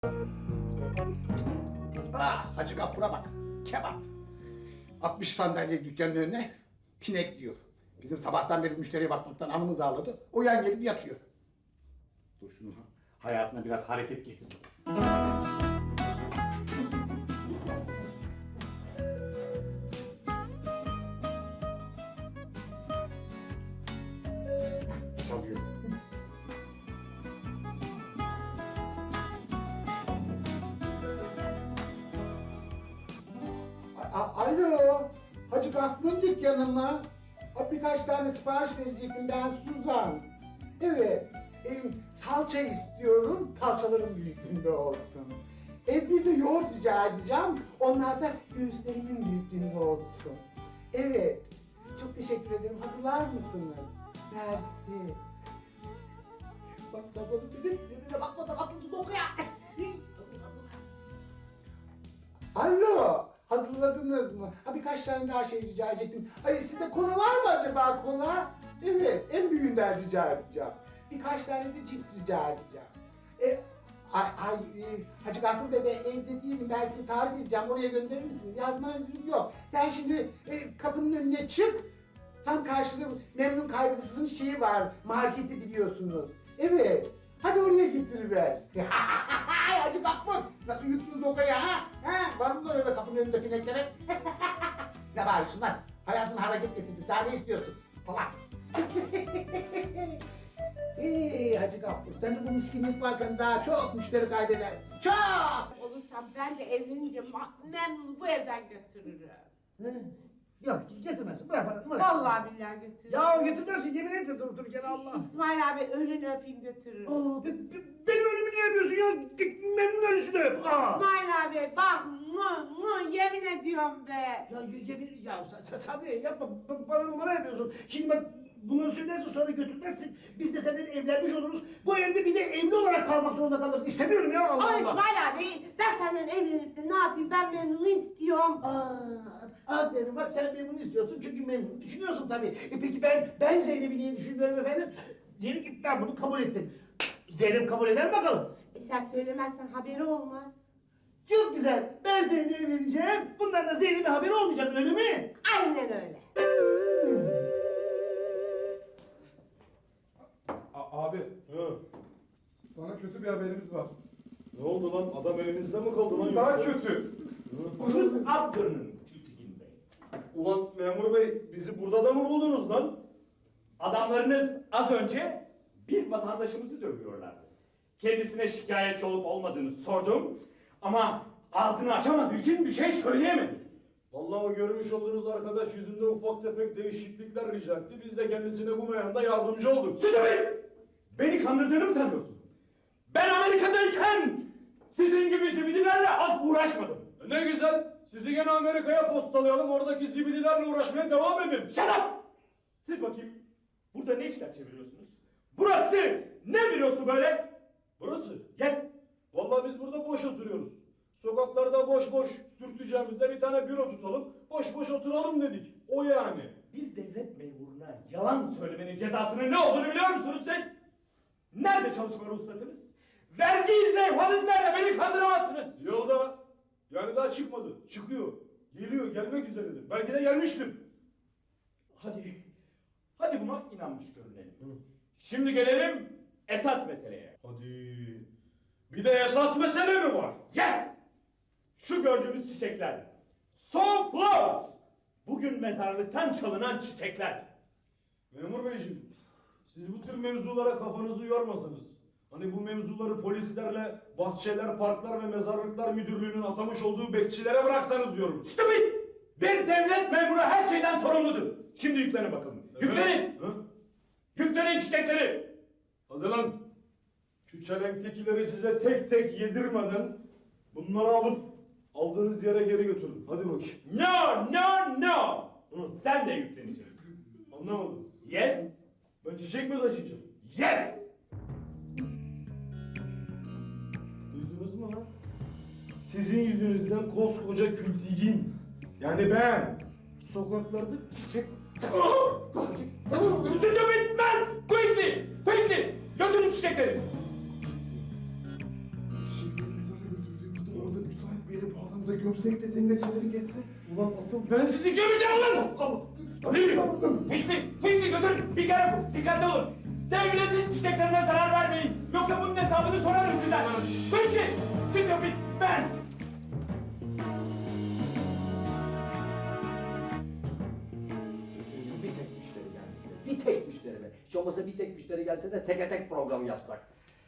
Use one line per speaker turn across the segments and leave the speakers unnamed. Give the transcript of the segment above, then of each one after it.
Ah, Hacı Gaffur'a bak, kebap. 60 sandalye dükkanın önüne pinek diyor. Bizim sabahtan beri müşteriye bakmaktan anımız ağladı. O yan gelip yatıyor. Dur şunu hayatına biraz hareket getir. Çalıyor. Alo, Hacı Gaffur'un dükkanı mı? Birkaç tane sipariş verecektim ben Suzan. Evet, salça istiyorum, kalçalarım büyüklüğünde olsun. Bir de yoğurt rica edeceğim, onlar da göğüslerimin büyüklüğünde olsun. Evet, çok teşekkür ederim, hazırlar mısınız? Mersi. Bak sazanı dedim, birbirine bakmadan aklınızı okuya. Alo, hazırladınız mı? Birkaç tane daha şey rica edecektim. Sizde kola var mı acaba kola? Evet, en büyüğünden rica edeceğim. Birkaç tane de cips rica edeceğim. Hacı Gaffur Bey, ben evde değilim, ben size tarif edeceğim, oraya gönderir misiniz? Yazmanız yok. Sen şimdi kapının önüne çık, tam karşıda Memnun Kaygısız'ın şeyi var, marketi biliyorsunuz. Evet, hadi oraya getiriver. Hacı Gaffur, nasıl yuttunuz o kayı ha? Var mı öyle kapının önünde pineklemek? Ne bağırıyorsun lan? Hayatın hareket getirdi, daha ne istiyorsun? Salak! Hacı Gaffur, sen de bu miskinlik varken daha çok müşteri kaybedersin. Çok!
Olursam ben de evlenince Memnun'u bu evden götürürüm.
Yok getirmesin, bırak bana.
Vallahi billahi götürürüm.
Ya getirmesin, yemin etme durup dururken Allah.
İsmail abi ölünü öpeyim götürürüm.
Benim ölümü niye yapıyorsun ya? Git Memnun ölüsünü öp.
İsmail abi bak yemin ediyorum be.
Ya yemin, ya Sabriye yapma, bana numara yapıyorsun. Şimdi bak bunları söylersin sonra götürmezsin. Biz de seninle evlenmiş oluruz. Bu evde bir de evli olarak kalmak zorunda kalırız. İstemiyorum ya Allah
Ama
Allah.
İsmail abi ben senden evlenip de ne yapayım, ben Memnun'u istiyorum.
Aferin bak sen Memnun'u istiyorsun çünkü Memnun'u düşünüyorsun tabii. Peki ben Zeynep'i niye düşünmüyorum efendim? Diyelim ki ben bunu kabul ettim. Zeynep kabul eder mi bakalım?
Sen söylemezsen haberi olmaz.
Çok güzel. Ben seninle evleneceğim. Bundan da Zeynep'e haberi olmayacak öyle mi?
Aynen öyle.
Abi, sana kötü bir haberimiz var.
Ne oldu lan? Adam elimizde mi kaldı lan?
Daha
yoksa?
kötü.
Uzun
Afternoon, Tültekin Bey.
Ulan memur bey, bizi burada da mı buldunuz lan?
Adamlarınız az önce bir vatandaşımızı dövüyorlardı. Kendisine şikayetçi olup olmadığını sordum ama ağzını açamadığı için bir şey söyleyemedi.
Vallahi o görmüş olduğunuz arkadaş yüzünde ufak tefek değişiklikler rica etti. Biz de kendisine bu meyanda yardımcı olduk.
Sütü Bey! Beni kandırdığını mı sanıyorsun? Ben Amerika'dayken sizin gibi zibidilerle az uğraşmadım.
Ne güzel. Sizi gene Amerika'ya postalayalım. Oradaki zibidilerle uğraşmaya devam edin.
Shut up! Siz bakayım, burada ne işler çeviriyorsunuz? Burası ne bürosu böyle?
Burası?
Yes!
Vallahi biz burada boş oturuyoruz. Sokaklarda boş boş sürteceğimizde bir tane büro tutalım. Boş boş oturalım dedik. O yani.
Bir devlet memuruna yalan söylemenin cezasının ne olduğunu biliyor musunuz siz? Nerede çalışma ruhsatınız? Vergi levhanız nerede? Beni kandıramazsınız.
Yolda. Yani daha çıkmadı. Çıkıyor. Geliyor. Gelmek üzeredir. Belki de gelmiştir.
Hadi buna inanmış görünelim. Şimdi gelelim esas meseleye.
Hadi. Bir de esas mesele mi var?
Yes! Şu gördüğümüz çiçekler. Sunflowers! Bugün mezarlıktan çalınan çiçekler.
Memur beyciğim, siz bu tür mevzulara kafanızı yormasanız, hani bu mevzuları polislerle bahçeler, parklar ve mezarlıklar müdürlüğünün atamış olduğu bekçilere bıraksanız diyorum.
Stupid! Bir devlet memuru her şeyden sorumludur. Şimdi yüklenin bakalım. Yüklenin!
Hı?
Yüklenin çiçekleri!
Hadi lan! Şu çelenktekileri size tek tek yedirmeden bunları alıp aldığınız yere geri götürün. Hadi bakayım.
No!
Hı.
Sen de yükleneceksin.
Anlamadım.
Yes!
Ben çiçek mi taşıyacağım?
Yes!
Duydunuz mu lan? Sizin yüzünüzden koskoca kültigin, yani ben, sokaklarda çiçek...
Sütü bitmez! Quickly! Götürün çiçekleri!
Çiçeklerinizi
burada gömsek de seninle siniri geçsin.
Ulan asıl ben sizi göreceğim ulan!
Fikri götürün. Bir kere dikkatli olun. Devletin çiçeklerine zarar vermeyin. Yoksa bunun hesabını sorarım sizden. Fikri, Fikri, ben.
Bir tek müşteri gelse, bir tek müşteri be. Hiç olmasa bir tek müşteri gelse de teke tek program yapsak.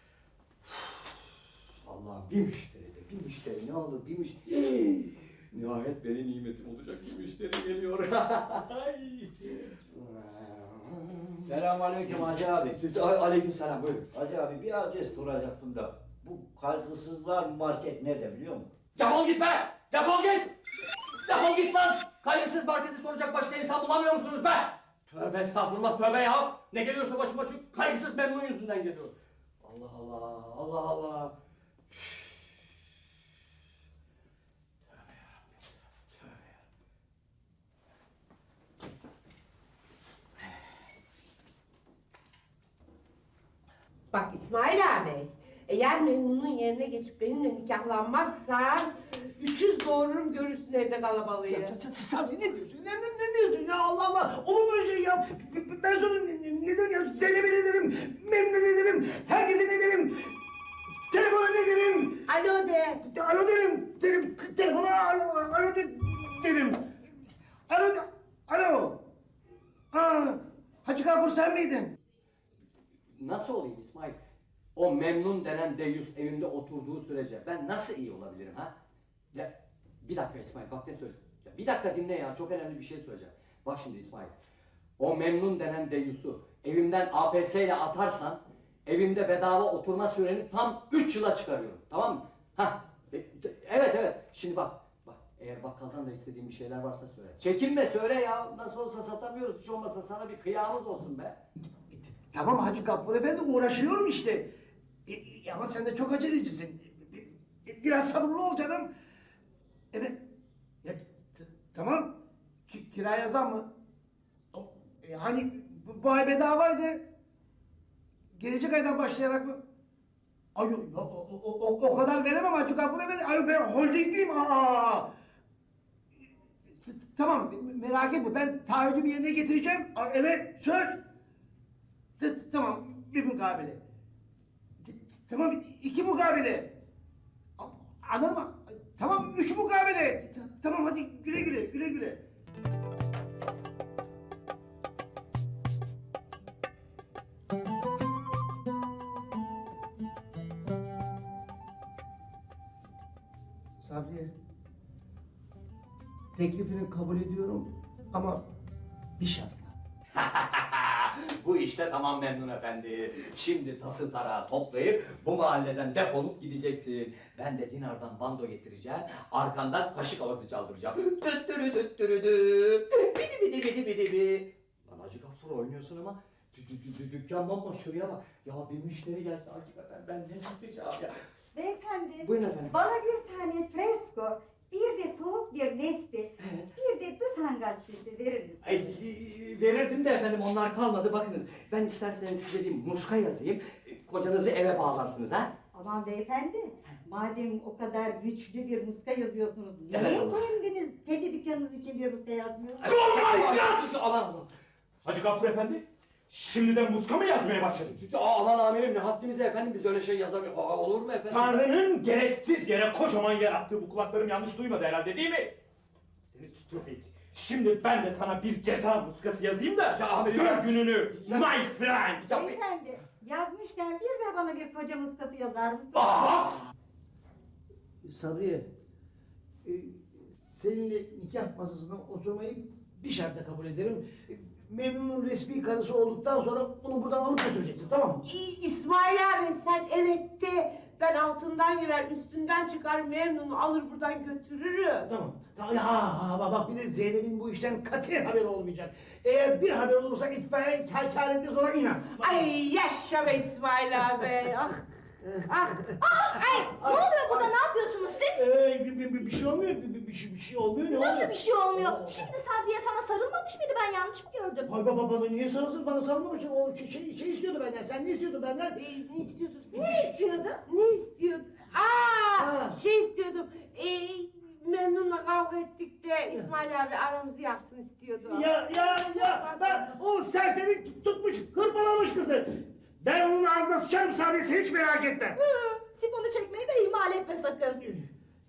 Allah'ım bir müşteri de, bir müşteri ne olur bir müşteri. Nihayet benim nimetim olacak bir müşteri geliyor. Ay.
Selamünaleyküm Hacı abi.
Aleykümselam buyurun.
Hacı abi bir adres soracaktım da. Bu kaygısızlar market nerede biliyor musun?
Defol git be! Defol git! Defol git lan! Kaygısız marketi soracak başka insan bulamıyor musunuz be? Tövbe estağfurullah tövbe ya! Ne geliyorsa başıma şu kaygısız memnun yüzünden geliyor. Allah Allah, Allah Allah. Tövbe yarabbim, tövbe ya.
Bak İsmail abi, eğer Memnun'un yerine geçip benimle nikahlanmazsan 300 doğururum görürsün evde kalabalığı.
Sabri ne diyorsun? Ne diyorsun ya Allah Allah? Olur mu öyle şey ya? Ben sana ne derim ya? Zeynep'e ne derim? Memnun'e ne derim? Herkese ne derim? Telefona ne derim?
Alo de.
Alo derim. Telefona alo derim. Alo. Hacı Gafur sen miydin?
Nasıl olayım İsmail? O memnun denen deyyus evimde oturduğu sürece ben nasıl iyi olabilirim ha? Ya bir dakika İsmail bak ne söyleyeyim. Ya bir dakika dinle ya çok önemli bir şey söyleyeceğim. Bak şimdi İsmail. O memnun denen deyyusu evimden APS ile atarsan evimde bedava oturma süreni tam 3 yıla çıkarıyorum. Tamam mı? Evet. Şimdi bak eğer bakkaldan da istediğin bir şeyler varsa söyle. Çekinme söyle ya. Nasıl olsa satamıyoruz. Hiç olmazsa sana bir kıyamız olsun be.
Tamam Hacı Gafur Efendi uğraşıyorum işte. Ama sen de çok acelecisin. Biraz sabırlı ol canım. Evet. Ya, tamam. Kiraya zam mı? Hani bu ay bedavaydı. Gelecek aydan başlayarak mı? Ay o kadar veremem Hacı Gafur Efendi. Ay ben holdingliyim. Tamam merak etme ben taahhüdümü yerine getireceğim. Evet söz. Tamam bir mukabele. Tamam 2 mukabele. Anladın mı? Tamam 3 mukabele. Tamam hadi güle güle. Sabriye. Teklifini kabul ediyorum ama bir şartla.
Bu işte tamam Memnun Efendi. Şimdi tası tarağı toplayıp bu mahalleden defolup gideceksin. Ben de dinardan bando getireceğim. Arkandan kaşık havası çaldıracağım. Düttürü düttürü bidi bidi. Lan Hacı Gafur oynuyorsun ama dükkan bomboş şuraya bak. Ya bir müşteri gelse hakikaten ben ne satacağım ya.
Beyefendi,
Buyurun efendim.
bana bir tane fresko, bir de soğuk bir nesti, bir de Dısan gazetesi verir misiniz?
Verirdim de efendim onlar kalmadı bakınız. Ben isterseniz size bir muska yazayım. Kocanızı eve bağlarsınız ha.
Aman beyefendi, madem o kadar güçlü bir muska yazıyorsunuz, niye
Evet, Allah.
kendi dükkanınız için bir muska yazmıyorsunuz?
Aman
Hacı Gafur Efendi, şimdiden muska mı yazmaya başladın?
aman amirim ne haddimize efendim biz öyle şey yazamıyoruz. Olur mu efendim?
Tanrı'nın gereksiz yere kocaman yarattığı bu kulaklarım yanlış duymadı herhalde değil mi? Seni stupid. Şimdi ben de sana bir ceza muskası yazayım da gör gününü my friend.
Beyefendi, yazmışken bir de bana bir koca muskası yazar mısınız?
Sabriye, seninle nikah masasına oturmayı bir şartla kabul ederim. Memnun'un resmi karısı olduktan sonra onu buradan alıp götüreceksin tamam mı?
İsmail abi sen evet de ben altından girer üstünden çıkar Memnun'u alır buradan götürürüm.
Tamam. Bak bir de Zeynep'in bu işten katiyen haberi olmayacak. Eğer bir haber olursa itfaiye kâr etmez ona inan.
Ay yaşa be İsmail abi. Ah.
Ne oluyor burada? Ne yapıyorsunuz siz?
Bir şey olmuyor. Bir şey olmuyor ne oluyor?
Nasıl bir şey olmuyor? Şimdi Sabriye sana sarılmamış mıydı? Ben yanlış mı gördüm?
Ay bana niye sarılsın? Bana sarılmamış. O şey istiyordu benden. Sen ne istiyordun benden?
Ne istiyordum sen?
Ne istiyordu?
Ne istiyordum?
Ha.
Şey istiyordum. kavga ettik de İsmail abi aramızı yapsın istiyordu.
Ya ben o serseri tutmuş hırpalamış kızı. Ben onun ağzına sıçarım Sabriye sen hiç merak etme.
Sifonu çekmeyi de ihmal etme sakın.